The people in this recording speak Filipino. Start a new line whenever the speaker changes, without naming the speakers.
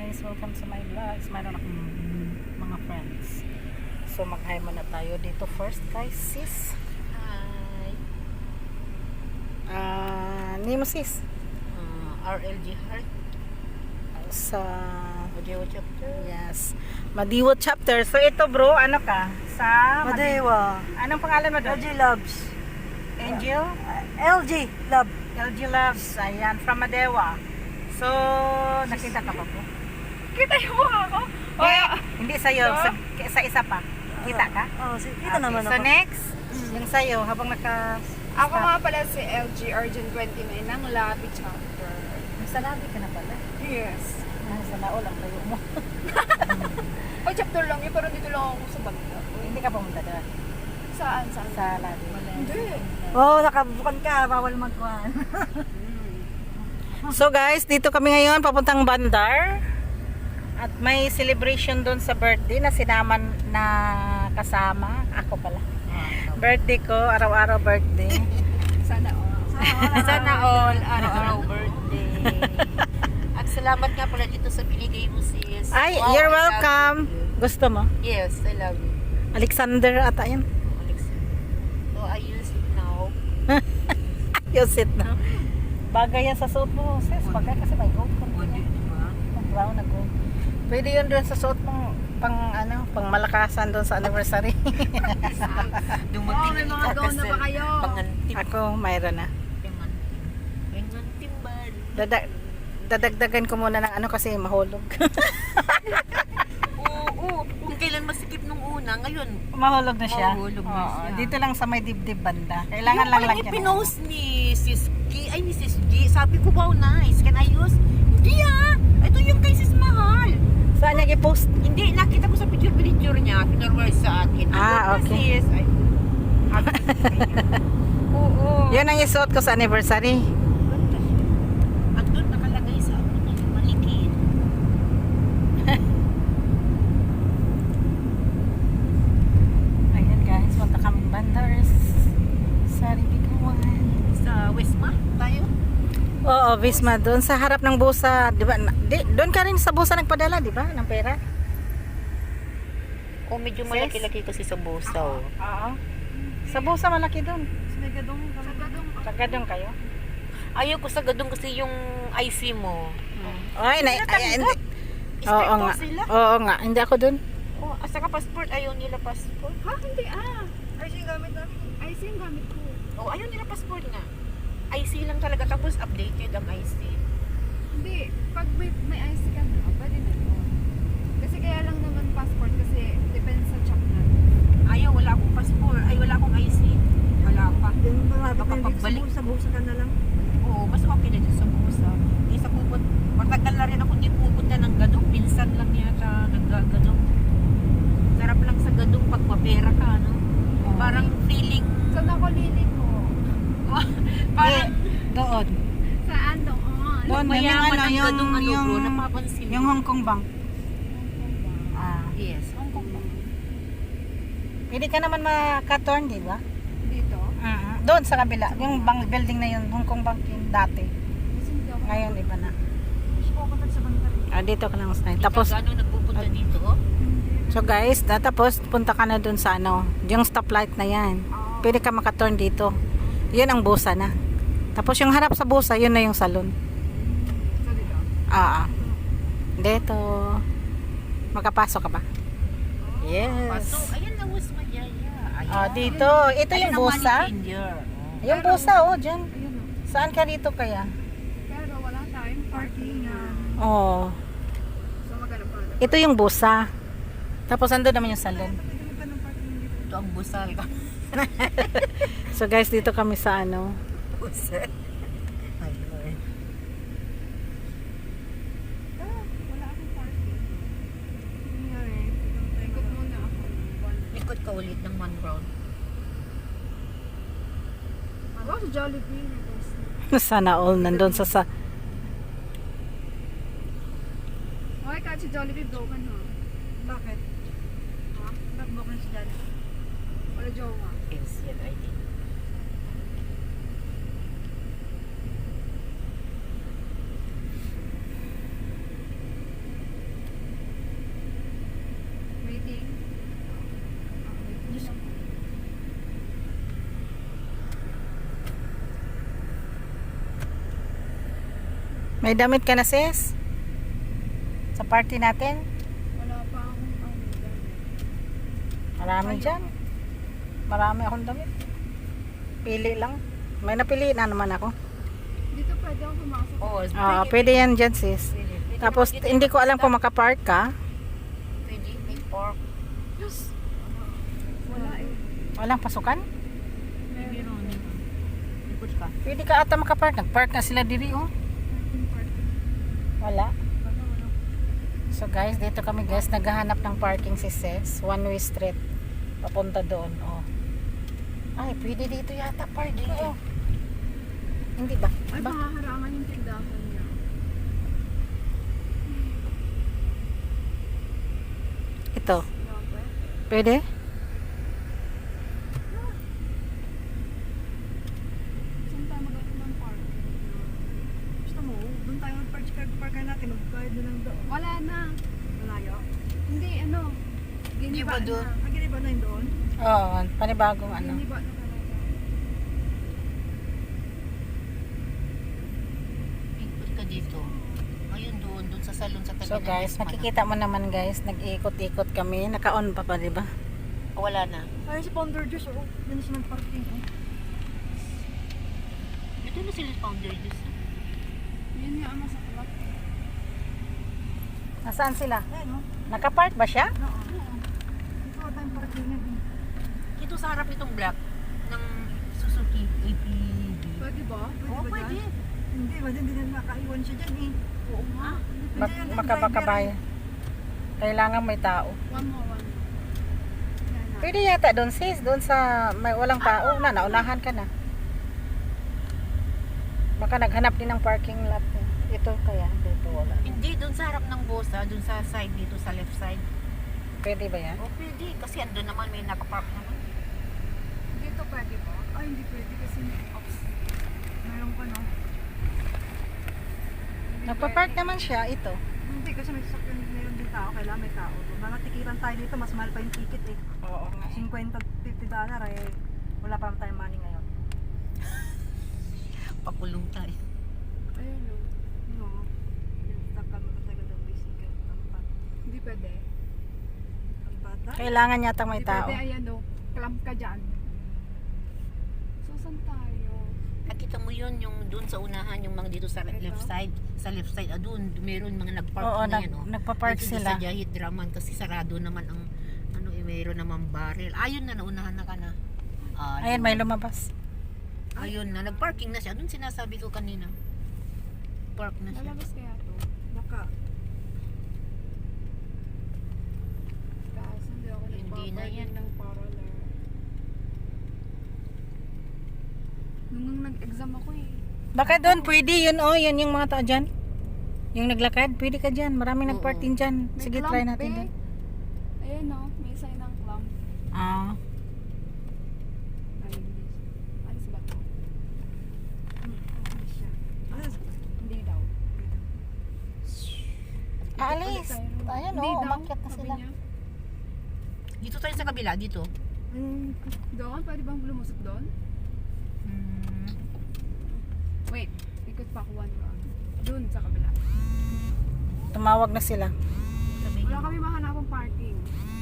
guys, welcome to my vlogs. Mayroon akong mga friends. So mag-hi muna tayo dito first guys, sis.
Hi.
Name mo sis?
RLG Heart.
Sa
Madiwa chapter.
yes, Madiwa chapter. So ito bro, ano ka? Sa
Madiwa.
Anong pangalan mo doon?
LG Loves.
Angel?
LG Love.
LG Loves. Ayan, from Madewa. So, nakita ka pa po?
Kita yung mukha ko.
Hindi sa'yo, sa isa pa. Kita ka?
Oh, kita naman
So
ako.
next, yung sa'yo, habang naka...
Ako nga pala si LG Argent 29 ng Labi chapter.
Sa labi ka na pala.
Yes.
Sa lao lang tayo mo.
O chapter lang yun, pero dito lang ako sa banda.
Hindi ka pumunta doon.
Saan?
Sa labi.
Hindi.
Oh, nakabukan ka. Bawal magkuhan.
So guys, dito kami ngayon papuntang Bandar. At may celebration doon sa birthday na sinaman na kasama. Ako pala. Birthday ko, araw-araw birthday.
Sana all. Sana all. Araw-araw birthday. At salamat nga pala dito sa binigay mo sis.
Ay,
Wow,
you're
I love
welcome.
you.
Gusto mo?
Yes, I love you.
Alexander ata yun.
So I use it now.
You sit na. Bagay yan sa suot mo, sis. Bagay kasi may gold ka.
Pwede, di ba?
Pang brown na gold. Pwede yun doon sa suot mo pang pang malakasan doon sa anniversary.
Dumating
may mga gown na ba kayo?
Pangantim.
Ako, mayroon na.
Pangantim ba?
Dadagdagan ko muna ng ano kasi mahulog.
Oo, kung kailan masikip nung una, ngayon.
Mahulog na siya.
Mahulog na
Oo,
siya.
dito lang sa may dibdib banda. Kailangan lang lagyan.
Pinost ni Sis G. Ay, ni Sis G. Sabi ko, wow, nice. Can I use? Hindi ito yung kay Sis Mahal.
Saan niya i-post?
Hindi, nakita ko sa picture niya. Pinorwal sa akin.
Ah,
Ano ba,
okay.
Sis? Ay, happy birthday niya. Oo.
Yan ang isuot ko sa anniversary.
Ganda siya. At doon nakalagay sa ako niya, malikit.
Ayan guys, punta kaming Bandars. Sa Ribiguan.
Sa Westma tayo.
Oo, Visma. Doon sa harap ng busa. Di ba? Doon ka rin sa busa nagpadala, di ba? Ng pera.
O medyo
Sis?
malaki-laki kasi sa Busaw.
Oo. Sa busa malaki doon.
Sa gadong.
Sa gadong kayo.
Ayaw ko sa gadong kasi yung IC mo.
Ay, hindi. Oo
Inspector
nga.
sila.
Oo nga. Hindi ako doon.
Oh, saka passport, ayaw nila passport. Ha? Hindi
Ay, siya gamit namin.
IC yung gamit ko. Oh, ayaw nila passport nga. IC lang talaga, tapos updated ang IC.
Hindi, pag may IC ka na, pwede na yun. Kasi kaya lang naman passport kasi depends sa check na.
Ayaw, wala akong passport. Ay, wala akong IC. Wala pa.
Then,
Baka
pagbalik
pagbalik.
sa busa ka na lang.
Oo, mas okay na dyan sa Busa. Hindi sa puput. Matagal na rin ako hindi pupunta ng gadong. Pinsan lang yata naggagadong. Sarap lang sa gadong pag mapera ka, no? Parang feeling,
Saan ako liliko?
parang
Doon.
Saan doon?
Doon,
mayaman ang
yung,
gadong ano
yung,
bro, napapansin.
yung Hong Kong Bank. Ah.
Yes, Hong Kong ba?
Pwede ka naman makaturn, di ba?
Dito?
Doon sa kabila. Yung bank building na yun, Hong Kong Bank yung dati.
Kasi hindi ako.
Ngayon, iba na.
Ako sa bangka.
Dito ka lang sa tapos,
Gano'ng nagpupunta dito, oh?
so guys, tapos punta ka na doon sa ano, yung stoplight na yan. Pwede ka makaturn dito. Yun ang busa na. Tapos yung harap sa busa, yun na yung salon.
So dito?
Dito. Makapasok ka ba? Yes.
Pasok, ayan na was Mayaya. Ayan.
Dito. Ito
Ayan
yung
ang
busa.
money changer.
Yung busa, dyan.
Ayun o.
Saan ka dito kaya?
Pero wala tayong parkingan.
Oh,
So maghanap pa na.
ito yung busa. Tapos ando naman yung salon.
Ito ang busal ka.
So guys, dito kami sa ano.
Busal. Ay, Lord.
Wala akong parking. Ikot muna ako.
Likod ka ulit ng 1 round.
Wow, sa Jollibee. may bus.
Sana all nandun sa
Okay, kahit si Jollibee broken ha.
Bakit?
Ha?
Bakit mo kan siya?
Wala jowa.
Yes, yan I think.
May damit ka na, sis? Sa party natin?
Wala pa akong damit.
Marami dyan. Marami akong damit. Pili lang. May napili na naman ako.
Dito pwede akong pumasok.
Oo,
Pwede yan dyan, sis.
Pwede.
Tapos,
Pwede
hindi ko alam
mag-stop.
kung makapark ka.
Pwede, may pork.
Yes. Wala eh.
Walang pasukan.
Meron. Ikot ka.
Pwede ka ata makapark. Nagpark na sila diri, oh. Wala. So guys, dito kami guys, naghahanap ng parking si Ses. One way street. Papunta doon, oh. Ay, pwede dito yata park. Oo. Hindi ba?
Ay,
Ba?
pangaharangan yung tindahan niya.
Ito.
Wala pa eh.
Pwede?
Saan tayo mag-open ng park?
Gusto mo, doon tayo mag-park natin. Magbayad na lang doon.
Wala na.
Malayo.
Hindi, ano. Giniba
ba doon?
na.
Agiri ba na yun doon?
Oo, panibagong ano.
Giniba na talaga.
Ikot ka dito. Ayun doon sa salon sa tabi
So
ng
guys,
Esma na.
nakikita mo naman guys, nag-iikot-ikot kami. Naka-on pa pa, di ba?
Wala na.
Ay, si Pounder Juice, oh. Doon siya nag-parking, oh.
Ito na sila founder juice.
Yun nga ang masaklat.
Nasaan sila?
Ayan, oh.
Naka-park ba siya?
Oo. Ito tayong parking na din.
Ito sa harap itong black ng Suzuki APB.
Pwede ba?
Oo,
ba
pwede.
dyan? Hindi, hindi na nakaiwan siya dyan, eh.
Oo nga.
Makabakabay. Kailangan may tao.
One more. Yan na.
Pwede yata doon sis, doon sa may walang tao na, naunahan ka na. Baka naghanap din ng parking lot. Ito kaya, dito wala.
Hindi, doon sa harap ng bosa, doon sa side dito, sa left side.
Pwede ba yan?
O pwede, kasi andun naman may nakapark naman.
Dito pwede ba? Ay, hindi pwede kasi may ops.
Mayroon pa, no?
Hindi
Nagpa-park
pwede.
naman siya, ito.
Hindi, kasi may sasakyan, mayroon din tao. Kailangan may tao. Kung nakatikiran tayo dito, mas mahal pa yung ticket, eh.
Oo nga.
50-$50, eh. Wala pa tayong money ngayon.
Pakulong tayo.
Ayun o.
No. Stuck ka matagal daw basic. Tampat.
Hindi pwede.
Tampat na?
Kailangan yata may
Hindi
tao.
pwede, ayan o. Clamp ka dyan. So, saan tayo?
Nakita mo yun, yung doon sa unahan, yung mga dito sa left side. Sa left side, doon, meron mga nagpark
Oo,
na yan. Oh.
nagpa-park
Dito
sila.
Sa Jahit Draman, kasi sarado naman ang, meron naman barrel. Ayun na, naunahan na ka na.
Ayan, may lumabas.
Ayun na, nagparking na siya. Doon sinasabi ko kanina. Park na siya.
Lalabas kaya to?
Baka.
Kaso hindi ako
Hindi na yan.
ng parallel. Nung nag-exam ako eh.
Baka doon, pwede yun, oh. Yun yung mga tao dyan. Yung naglakad, pwede ka dyan. Maraming
Oo.
nag-park din dyan.
May
Sige,
clamp,
try natin
eh.
din.
Ayan o, may sign ng clamp.
Ah.
Alis ba to?
Ano siya? Ano?
Hindi daw.
Aalis. Ayan,
Hindi
oh.
daw,
Umakyat na
sabi
sila.
niya.
Dito tayo sa kabila, dito.
Doon? Pwede bang lumusot doon? Wait, ikot pa ako one round. Doon sa kabila.
Tumawag na sila.
Sabi
Wala
niya.
kami mahanapang parking.